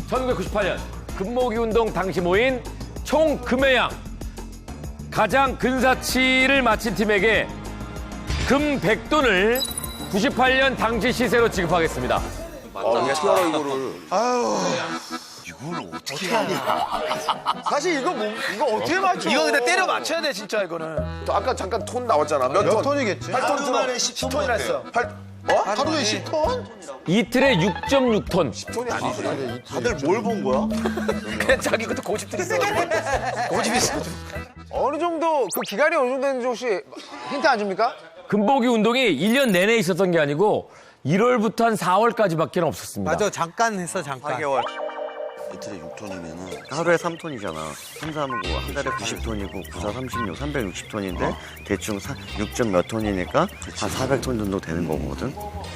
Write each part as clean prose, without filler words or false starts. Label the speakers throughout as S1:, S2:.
S1: 1998년 금모기 운동 당시 모인 총 금의 양. 가장 근사치를 마친 팀에게 금 100돈을 98년 당시 시세로 지급하겠습니다.
S2: 어떻게 알아 이거를?
S3: 이걸 어떻게 하냐.
S2: 사실 이거 어떻게 맞춰?
S4: 이거 근데 때려 맞춰야 돼 진짜 이거는.
S2: 또 아까 잠깐 톤 나왔잖아. 몇 톤이겠지? 8톤
S4: 10톤이나 했어.
S2: 하루에 10톤?
S1: 이틀에 6.6톤.
S2: 톤이 아니지.
S3: 다들 뭘 본 거야?
S4: 그냥 자기 것도 고집들 있어. 고집 있어.
S5: 어느 정도 그 기간이 어느 정도 되는지 혹시 힌트 안 줍니까?
S1: 금모기 운동이 1년 내내 있었던 게 아니고 1월부터 한 4월까지밖에 없었습니다.
S6: 맞아, 잠깐 했어, 잠깐.
S3: 4개월. 이틀에 6톤이면은 하루에 3톤이잖아. 3, 3고 한 달에 90톤이고 9, 4, 36, 360톤인데 대충 6점 몇 톤이니까 한 400톤 정도 되는 거거든.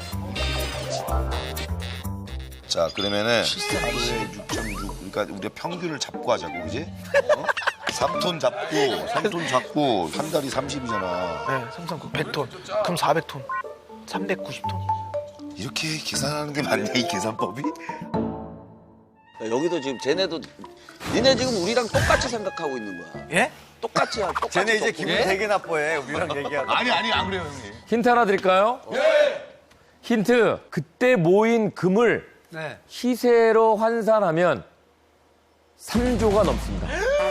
S7: 자, 그러면은 하루에 6.6. 그러니까 우리가 평균을 잡고 하자고, 그지? 3톤 잡고 한 달이 30이잖아.
S4: 네, 339 100톤. 그럼 400톤. 390톤.
S7: 이렇게 계산하는 게 맞냐, 이 계산법이?
S2: 여기도 지금 쟤네도 니네 지금 우리랑 똑같이 생각하고 있는 거야.
S4: 예?
S2: 똑같이 하. 똑같이
S3: 쟤네 이제
S2: 똑같이.
S3: 기분 되게 나빠해. 우리랑 얘기하고.
S7: 아니, 안 그래요, 형님.
S1: 힌트 하나 드릴까요? 네. 힌트. 그때 모인 금을
S6: 네.
S1: 시세로 환산하면 3조가 넘습니다.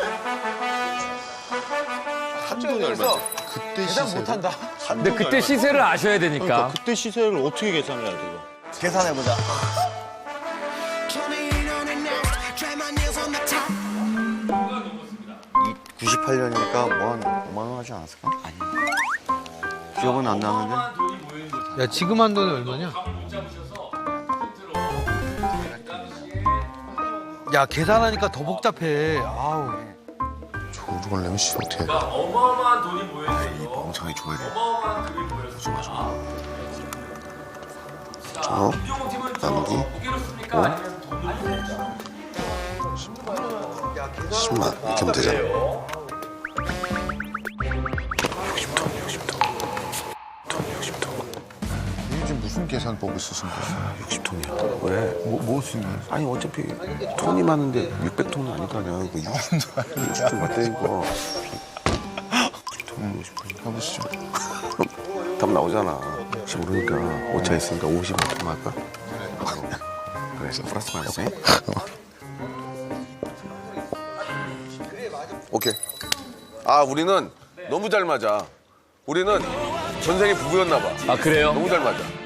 S7: 한 돈이 얼마지?
S3: 그때
S5: 계산 못한다.
S1: 근데 그때 시세를 아셔야 되니까.
S8: 그때 시세를 어떻게 계산해야 돼, 이거?
S3: 계산해보자. 98년이니까 뭐 한 5만 원 하지 않았을까? 아니. 기억은 안 나는데.
S6: 야, 지금 한 돈이 얼마냐? 야, 계산하니까 더 복잡해. 아우.
S7: 저걸 내면 씨 어떻게 해?
S1: 어마어마한 돈이 모여있어요.
S7: 멍청하게 줘야 돼.
S1: 어마어마한 금이 모여있어요.
S7: 저 나누기
S1: 무게로 씁니까? 아니면 돈으로
S7: 10만 이렇게 하면 되잖아. 60톤. 이게 지금 무슨 계산법을 쓰신 거야?
S2: 60톤이야. 왜?
S7: 뭐 쓰는 거야?
S2: 아니 어차피 톤이 많은데 600톤은 아닐 거 아니야. 이거 60톤 맞다니까. 60톤.
S7: 해보시죠.
S2: 답 나오잖아. 혹시 모르니까 오차 있으니까 55톤 할까? 그래서 플러스 마이너스. 오케이. 아 우리는 너무 잘 맞아. 우리는 전생에 부부였나 봐.
S1: 아, 그래요?
S2: 너무 잘 맞아.